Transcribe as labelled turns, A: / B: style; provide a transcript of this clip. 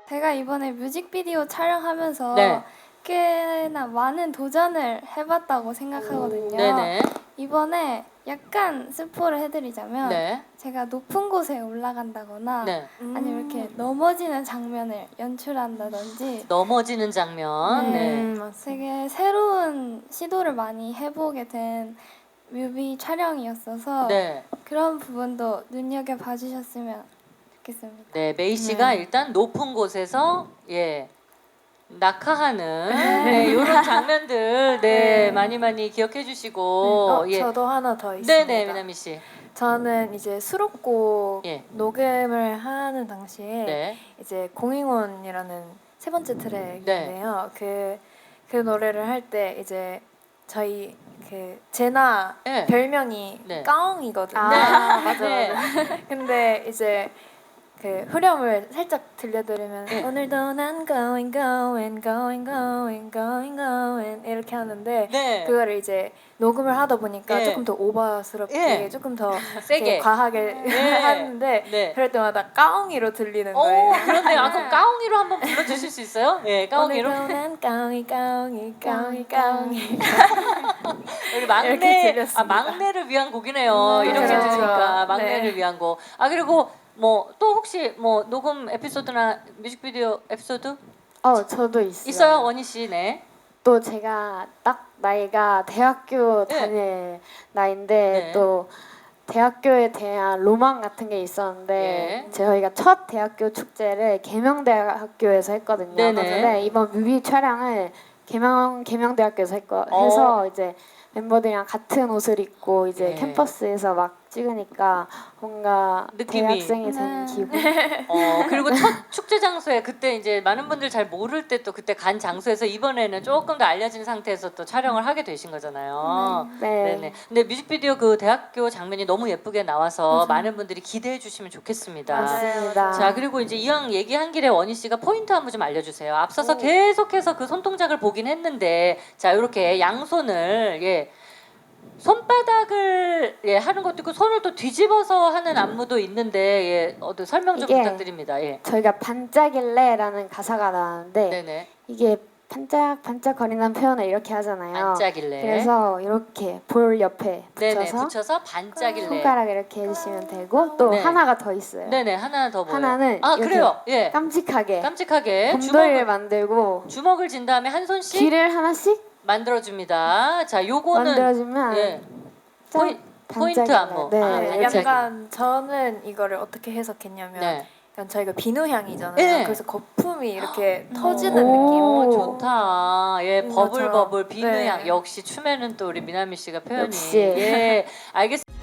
A: 제가 이번에 뮤직비디오 촬영하면서
B: 네.
A: 꽤나 많은 도전을 해봤다고 생각하거든요.
B: 네네.
A: 이번에 약간 스포를 해드리자면
B: 네.
A: 제가 높은 곳에 올라간다거나
B: 네.
A: 아니면 이렇게 넘어지는 장면을 연출한다든지
B: 넘어지는 장면. 네.
A: 되게 새로운 시도를 많이 해보게 된 뮤비 촬영이었어서
B: 네.
A: 그런 부분도 눈여겨봐 주셨으면 좋겠습니다.
B: 네, 메이 씨가 일단 높은 곳에서 낙하하는 이런 장면들 많이 기억해 주시고
C: 저도 하나 더 있습니다.
B: 네네, 미나미 씨.
C: 저는 이제 수록곡
B: 예.
C: 녹음을 하는 당시에
B: 네.
C: 이제 공잉원이라는 세 번째 트랙인데요. 그 노래를 할 때 이제 저희 그 제나
B: 네.
C: 별명이
B: 네.
C: 까옹이거든요.
B: 맞아.
C: 근데 이제 그 후렴을 살짝 들려드리면
B: 네.
C: 오늘도 난 going 이렇게 하는데
B: 네.
C: 그거를 이제 녹음을 하다 보니까
B: 예.
C: 조금 더 오버스럽게
B: 예.
C: 조금 더
B: 세게.
C: 이렇게 과하게 하는데
B: 네.
C: 그럴 때마다 까옹이로 들리는 거예요.
B: 그런데요. 아, 그럼 까옹이로 한번 불러주실 수 있어요? 예, 까옹이로.
C: 오늘도 난 까옹이
B: 우리
C: 이렇게
B: 막내,
C: 들렸습니다.
B: 막내를 위한 곡이네요. 이렇게
C: 그렇죠.
B: 들으니까 막내를
C: 네.
B: 위한 곡. 아, 그리고 뭐 또 혹시 뭐 녹음 에피소드나 뮤직비디오 에피소드
D: 저도 있어요.
B: 있어요, 원희 씨? 네.
D: 또 제가 딱 나이가 대학교
B: 네.
D: 다닐 나이인데
B: 네.
D: 또 대학교에 대한 로망 같은 게 있었는데
B: 예.
D: 저희가 첫 대학교 축제를 계명대학교에서 했거든요.
B: 네네.
D: 근데 이번 뮤비 촬영을 계명대학교에서 해서 이제 멤버들이랑 같은 옷을 입고 이제
B: 예.
D: 캠퍼스에서 막 찍으니까 뭔가
B: 느낌이.
D: 대학생이 된 기분.
B: 그리고 첫 축제 장소에 그때 이제 많은 분들 잘 모를 때 또 그때 간 장소에서 이번에는 조금 더 알려진 상태에서 또 촬영을 하게 되신 거잖아요.
D: 네.
B: 네네. 근데 뮤직비디오 그 대학교 장면이 너무 예쁘게 나와서 많은 분들이 기대해 주시면 좋겠습니다.
D: 맞습니다.
B: 자, 그리고 이제 이왕 얘기한 길에 원희 씨가 포인트 한번 좀 알려주세요. 앞서서 계속해서 그 손동작을 보긴 했는데, 자, 이렇게 양손을 손바닥을 하는 것도 있고 손을 또 뒤집어서 하는 안무도 있는데 설명 좀
D: 이게
B: 부탁드립니다. 예.
D: 저희가 반짝일래라는 가사가 나왔는데
B: 네네.
D: 이게 반짝반짝거리는 표현을 이렇게 하잖아요.
B: 반짝일래.
D: 그래서 이렇게 볼 옆에
B: 네네.
D: 붙여서
B: 붙여서 반짝일래.
D: 손가락 이렇게 해주시면 되고 또
B: 네.
D: 하나가 더 있어요.
B: 네네. 하나 더 보여.
D: 하나는
B: 아,
D: 이렇게
B: 그래요. 예.
D: 깜찍하게
B: 깜찍하게
D: 곰돌이를 만들고
B: 주먹을 진 다음에 한 손씩
D: 귀를 하나씩
B: 만들어줍니다. 자, 요거는
D: 만들어주면
B: 예.
D: 짠!
B: 포인트
D: 반짝일래.
B: 안무.
D: 네.
B: 아,
C: 네,
B: 반짝이.
C: 약간 저는 이거를 어떻게 해석했냐면
B: 네.
C: 약간 저희가 비누향이잖아요.
B: 네.
C: 그래서 거품이 이렇게 터지는
D: 오.
C: 느낌.
B: 좋다. 예,
C: 것처럼.
B: 버블버블 비누향.
C: 네.
B: 역시 춤에는 또 우리 미나미 씨가 표현이.
D: 역시.
B: 예, 알겠습니다.